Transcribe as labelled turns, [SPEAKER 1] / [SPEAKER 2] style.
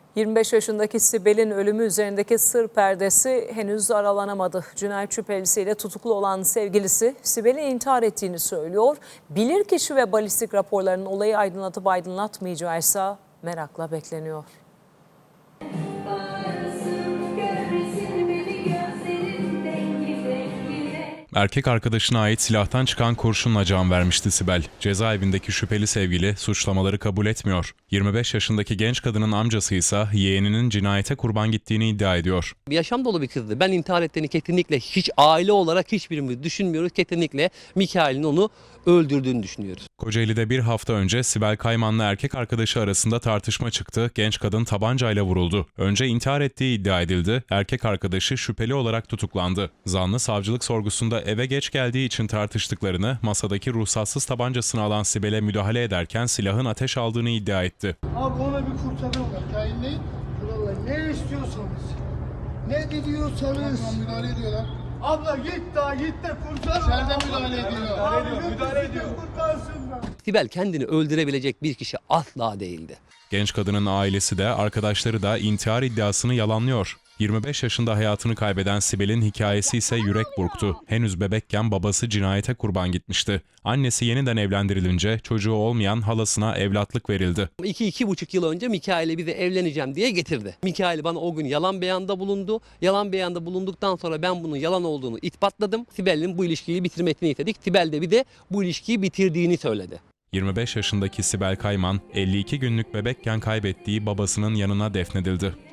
[SPEAKER 1] 25 yaşındaki Sibel'in ölümü üzerindeki sır perdesi henüz aralanamadı. Cinayet şüphelisiyle tutuklu olan sevgilisi Sibel'in intihar ettiğini söylüyor. Bilirkişi ve balistik raporlarının olayı aydınlatıp aydınlatmayacağıysa merakla bekleniyor.
[SPEAKER 2] Erkek arkadaşına ait silahtan çıkan kurşunla can vermişti Sibel. Cezaevindeki şüpheli sevgili suçlamaları kabul etmiyor. 25 yaşındaki genç kadının amcası ise yeğeninin cinayete kurban gittiğini iddia ediyor.
[SPEAKER 3] Yaşam dolu bir kızdı. Ben intihar ettiğini kesinlikle hiç aile olarak hiçbirimiz düşünmüyoruz. Kesinlikle Mikail'in onu öldürdüğünü düşünüyoruz.
[SPEAKER 2] Kocaeli'de bir hafta önce Sibel Kayman'la erkek arkadaşı arasında tartışma çıktı. Genç kadın tabancayla vuruldu. Önce intihar ettiği iddia edildi. Erkek arkadaşı şüpheli olarak tutuklandı. Zanlı savcılık sorgusunda eve geç geldiği için tartıştıklarını, masadaki ruhsatsız tabancasını alan Sibel'e müdahale ederken silahın ateş aldığını iddia etti.
[SPEAKER 4] Abi ona bir kurtarın var. Tayinleyin. Vallahi ne istiyorsanız. Ne diyorsanız. Müdahale ediyorlar. Abla git daha git de kurtar. İçeride müdahale ediyor. Abi müdahale ediyor. Kurtarsınlar.
[SPEAKER 3] Sibel kendini öldürebilecek bir kişi asla değildi.
[SPEAKER 2] Genç kadının ailesi de arkadaşları da intihar iddiasını yalanlıyor. 25 yaşında hayatını kaybeden Sibel'in hikayesi ise yürek burktu. Henüz bebekken babası cinayete kurban gitmişti. Annesi yeniden evlendirilince çocuğu olmayan halasına evlatlık verildi.
[SPEAKER 3] 2-2,5 yıl önce Mikail'e bize evleneceğim diye getirdi. Mikail bana o gün yalan beyanda bulundu. Yalan beyanda bulunduktan sonra ben bunun yalan olduğunu ispatladım. Sibel'in bu ilişkiyi bitirmesini istedik. Sibel de bir de bu ilişkiyi bitirdiğini söyledi.
[SPEAKER 2] 25 yaşındaki Sibel Kayman, 52 günlük bebekken kaybettiği babasının yanına defnedildi.